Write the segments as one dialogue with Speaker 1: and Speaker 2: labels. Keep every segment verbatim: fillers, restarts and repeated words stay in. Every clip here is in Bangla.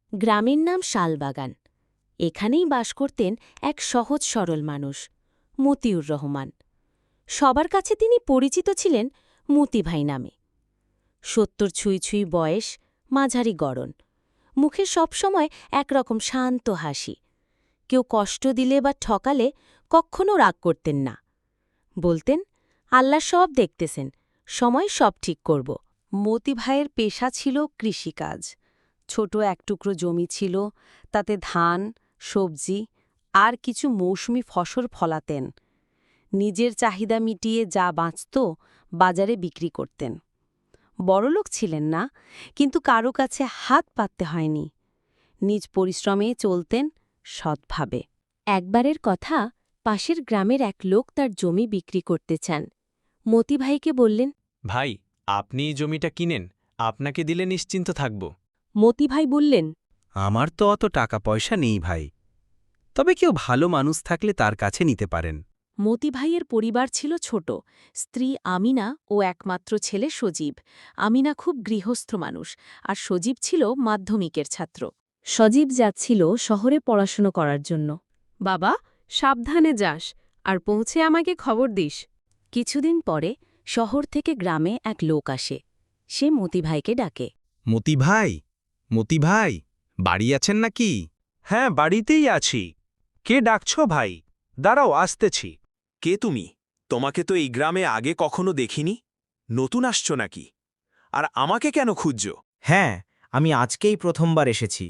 Speaker 1: গ্রামের নাম শালবাগান। এখানেই বাস করতেন এক সহজ সরল মানুষ, মতিউর রহমান। সবার কাছে তিনি পরিচিত ছিলেন মতিভাই নামে। সত্তর ছুঁই ছুঁই বয়স, মাঝারি গড়ন, মুখে সবসময় একরকম শান্ত হাসি। কেউ কষ্ট দিলে বা ঠকালে কখনও রাগ করতেন না। বলতেন, আল্লাহ সব দেখতেছেন, সময় সব ঠিক করব।
Speaker 2: মতিভাইয়ের পেশা ছিল কৃষিকাজ। ছোট এক টুকরো জমি ছিল, তাতে ধান, সবজি আর কিছু মৌসুমি ফসল ফলাতেন। নিজের চাহিদা মিটিয়ে যা বাঁচত বাজারে বিক্রি করতেন। বড়লোক ছিলেন না, কিন্তু কারো কাছে হাত পাততে হয়নি। নিজ পরিশ্রমে চলতেন সৎভাবে।
Speaker 1: একবারের কথা, পাশের গ্রামের এক লোক তার জমি বিক্রি করতে চান। মতিভাইকে বললেন,
Speaker 3: ভাই, আপনি এই জমিটা কিনেন, আপনাকে দিলে নিশ্চিন্ত থাকব।
Speaker 1: মতিভাই বললেন,
Speaker 4: আমার তো অত টাকা পয়সা নেই ভাই, তবে কেউ ভালো মানুষ থাকলে তার কাছে নিতে পারেন।
Speaker 1: মতিভাইয়ের পরিবার ছিল ছোট, স্ত্রী আমিনা ও একমাত্র ছেলে সজীব। আমিনা খুব গৃহস্থ মানুষ, আর সজীব ছিল মাধ্যমিকের ছাত্র। সজীব যাচ্ছিল শহরে পড়াশুনো করার জন্য।
Speaker 2: বাবা, সাবধানে যাস, আর পৌঁছে আমাকে খবর দিস।
Speaker 1: কিছুদিন পরে শহর থেকে গ্রামে এক লোক আসে। সে মতিভাইকে ডাকে।
Speaker 4: মতি ভাই, মতি ভাই, বাড়ি আছেন নাকি?
Speaker 5: হ্যাঁ, বাড়িতেই আছি। কে ডাকছ ভাই? দাঁড়াও, আসতেছি। কে তুমি? তোমাকে তো এই গ্রামে আগে কখনো দেখিনি। নতুন আসছো নাকি? আর আমাকে কেন খুঁজছ?
Speaker 6: হ্যাঁ, আমি আজকেই প্রথমবার এসেছি।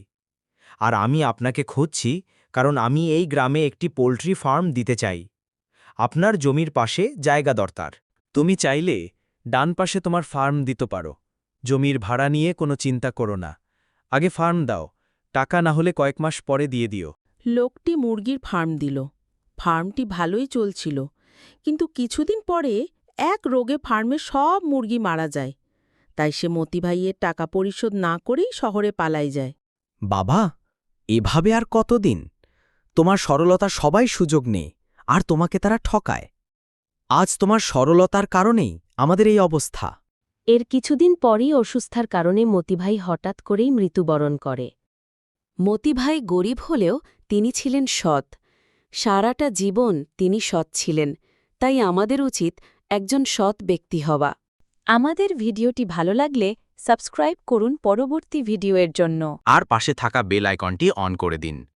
Speaker 6: আর আমি আপনাকে খুঁজছি কারণ আমি এই গ্রামে একটি পোল্ট্রি ফার্ম দিতে চাই। আপনার জমির পাশে জায়গা দরকার। তুমি চাইলে ডান পাশে তোমার ফার্ম দিতে পারো। জমির ভাড়া নিয়ে কোনো চিন্তা করো না। আগে ফার্ম দাও, টাকা না হলে কয়েক মাস পরে দিয়ে দিও।
Speaker 7: লোকটি মুরগির ফার্ম দিল। ফার্মটি ভালোই চলছিল, কিন্তু কিছুদিন পরে এক রোগে ফার্মে সব মুরগি মারা যায়। তাই সে মতিভাইয়ের টাকা পরিশোধ না করেই শহরে পালাই যায়।
Speaker 6: বাবা, এভাবে আর কতদিন? তোমার সরলতা সবাই সুযোগ নেয়, আর তোমাকে তারা ঠকায়। আজ তোমার সরলতার কারণেই আমাদের এই অবস্থা।
Speaker 1: এর কিছুদিন পরই অসুস্থার কারণে মতিভাই হঠাৎ করেই মৃত্যুবরণ করে। মতিভাই গরিব হলেও তিনি ছিলেন সৎ। সারাটা জীবন তিনি সৎ ছিলেন। তাই আমাদের উচিত একজন সৎ ব্যক্তি হওয়া। আমাদের ভিডিওটি ভালো লাগলে সাবস্ক্রাইব করুন পরবর্তী ভিডিওর জন্য।
Speaker 4: আর পাশে থাকা বেল আইকনটি অন করে দিন।